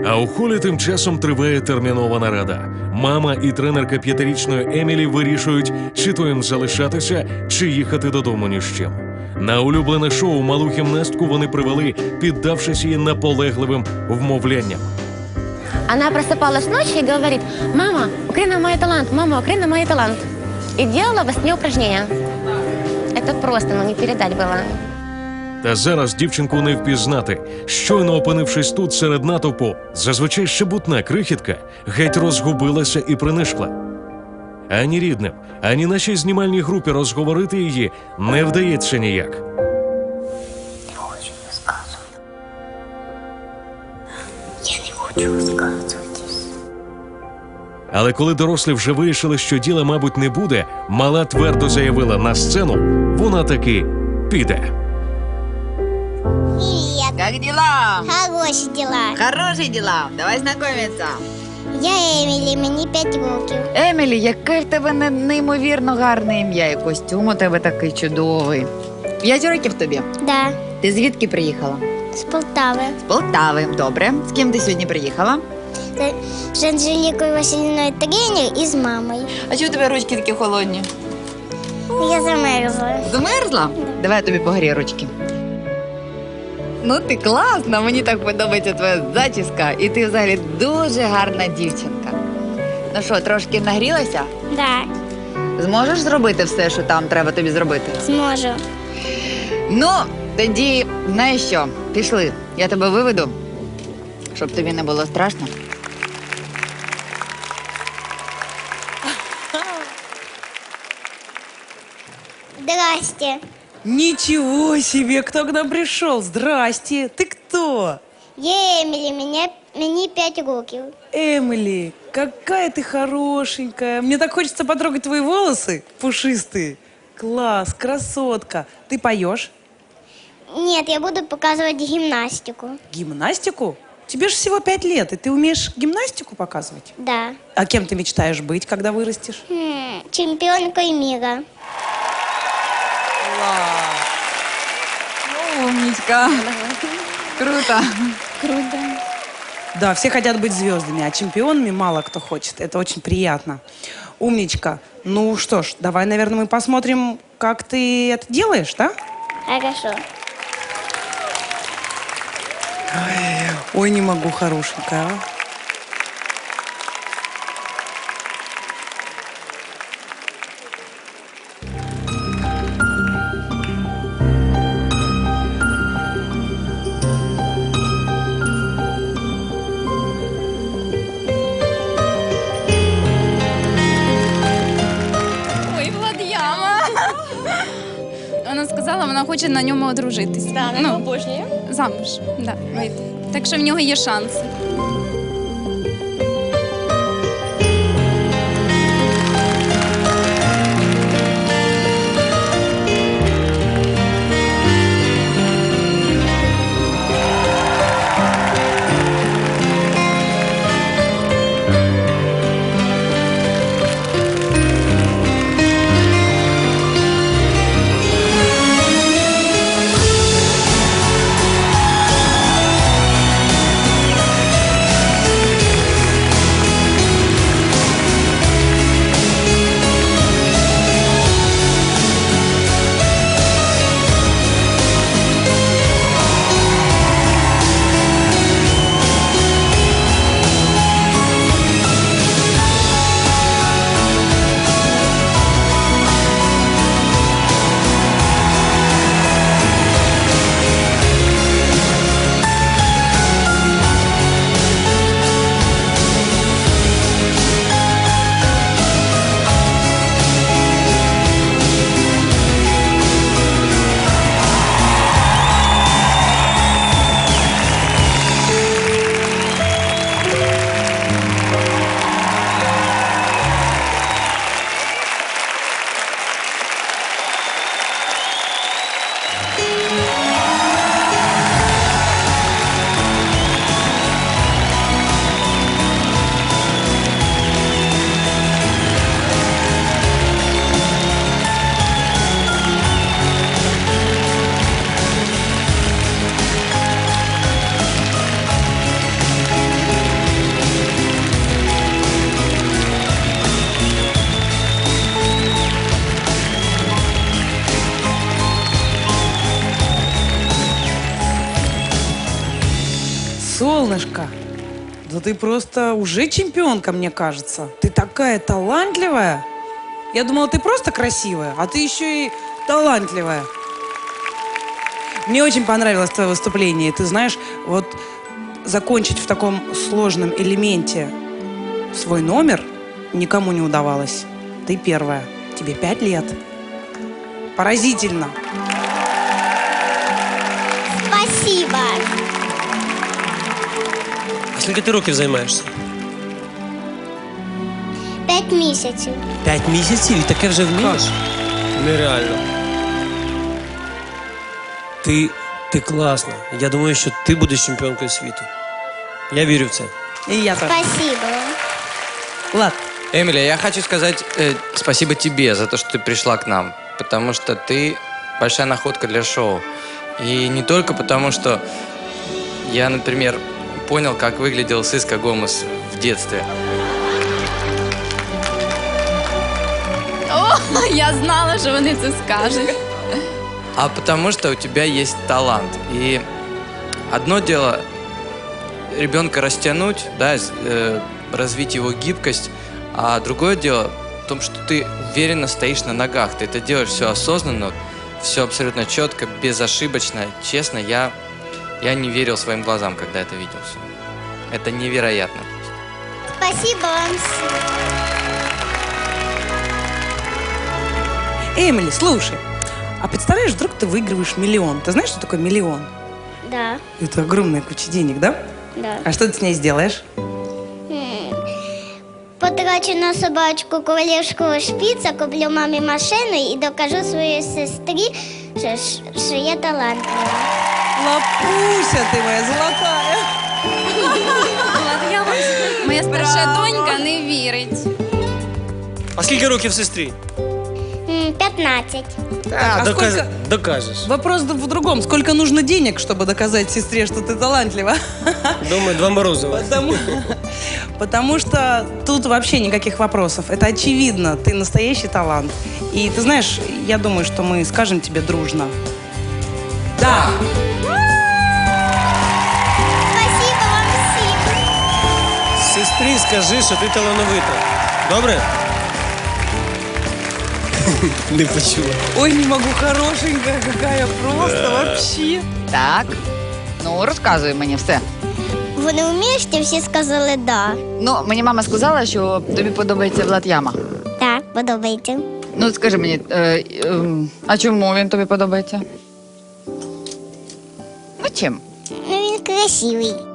А у холі тим часом триває термінова нарада. Мама і тренерка 5-річної Емілі вирішують, чи то їм залишатися, чи їхати додому ні з чим. На улюблене шоу малу гімнастку вони привели, піддавшись її наполегливим вмовлянням. Она просыпалась ночью и говорит: «Мама, Украина мой талант, мама, Украина мой талант». И делала во сне упражнения. Это просто, не передать было. Та зараз дівчинку не впізнати. Щойно опинившись тут серед натовпу, зазвичай щебутна крихітка геть розгубилася і принишкла. Ані рідним, ані нашій знімальній групі розговорити її не вдається ніяк. Не хочу розказувати. Я не хочу розказуватись. Але коли дорослі вже вирішили, що діла, мабуть, не буде, мала твердо заявила: на сцену вона таки піде. Привет. Как дела? Хорошие дела. Хорошие дела. Давай знайомитися. Я Емілі, мені 5 років. Емілі, яке в тебе неймовірно гарне ім'я, і костюм у тебе такий чудовий. 5 років тобі. Да, Ти звідки приїхала? з Полтави. З Полтави. Добре. З ким ти сьогодні приїхала? З Анжелікою Василівною тренер і з мамою. А чого у тебе ручки такі холодні? Я замерзла. Замерзла? Давай я тобі погрію ручки. Ну ти класна, мені так подобається твоя зачіска, і ти взагалі дуже гарна дівчинка. Ну що, трошки нагрілася? Да, Зможеш зробити все, що там треба тобі зробити? зможу. Ну, тоді, знаєш що, пішли, я тебе виведу, щоб тобі не було страшно. Здрасте. Ничего себе, кто к нам пришел? Здрасте. Ты кто? Я Емілі, мені 5 років. Эмили, какая ты хорошенькая. Мне так хочется потрогать твои волосы пушистые. Класс, красотка. Ты поешь? Ні, я буду показувати гімнастику. Гимнастику? Тебе же всего 5 лет, и ты умеешь гимнастику показывать? Да. А кем ты мечтаешь быть, когда вырастешь? Чемпіонкою міра. Умничка. Круто. Круто. Да, все хотят быть звездами, а чемпионами мало кто хочет. Это очень приятно. Умничка. Ну что ж, давай, наверное, мы посмотрим, как ты это делаешь, да? Хорошо. Ой, не могу, хорошенькая. А? Ой, Влад'яма. Вона сказала, вона хоче на ньому одружитись. Да, она обожнює. Замуж, да, вийти. Так що в нього є шанси. Солнышко, да ты просто уже чемпионка, мне кажется. Ты такая талантливая. Я думала, ты просто красивая, а ты еще и талантливая. Мне очень понравилось твое выступление. Ты знаешь, вот закончить в таком сложном элементе свой номер никому не удавалось. Ты первая. Тебе 5 лет. Поразительно. Спасибо. А скільки ти років займаєшся? 5 місяців. 5 місяців і таке вже вмієш? Нереально. Ти класна. Я думаю, що ти будеш чемпіонкою світу. Я вірю в це. И я тоже. Спасибо. Влад, Эмили, я хочу сказать спасибо тебе за то, что ты пришла к нам. Потому что ты большая находка для шоу. И не только потому, что я, например, понял, как выглядел Сиска Гомес в детстве. О, я знала, що вони це скажуть. А потому что у тебя есть талант. И одно дело ребенка растянуть, да, развить его гибкость, а другое дело в том, что ты уверенно стоишь на ногах. Ты это делаешь все осознанно, все абсолютно четко, безошибочно. Честно, я не верил своим глазам, когда это видел все. Это невероятно. Спасибо вам всем. Эмили, слушай, а представляешь, вдруг ты выигрываешь миллион. Ты знаешь, что такое миллион? Да, Это огромная куча денег, да? да. А что ты с ней сделаешь? Потрачу на собачку королівського шпіца, куплю мамі машину і докажу своїй сестрі, що я талантлива. Лапуся ты моя золотая. Моя старша донька не вірить. А скільки років сестрі? 15. А сколько- Докажеш. Вопрос в другом. Сколько нужно денег, чтобы доказать сестре, что ты талантлива? Думаю, 2 Морозова. Потому что тут вообще никаких вопросов. Это очевидно. Ты настоящий талант. И ты знаешь, я думаю, что мы скажем тебе дружно. Да. Спасибо вам всім. Сестрі скажи, що ти талановита. Добре? Не почула. Ой, не могу, хорошенькая какая просто вообще. Так. Ну, розказуй мені все. Вони вміють, і всі сказали «да». Ну, мені мама сказала, що тобі подобається Влад Яма. Так, подобається. Ну, скажи мені, а чому він тобі подобається? Ну, чим? Ну, він красивий.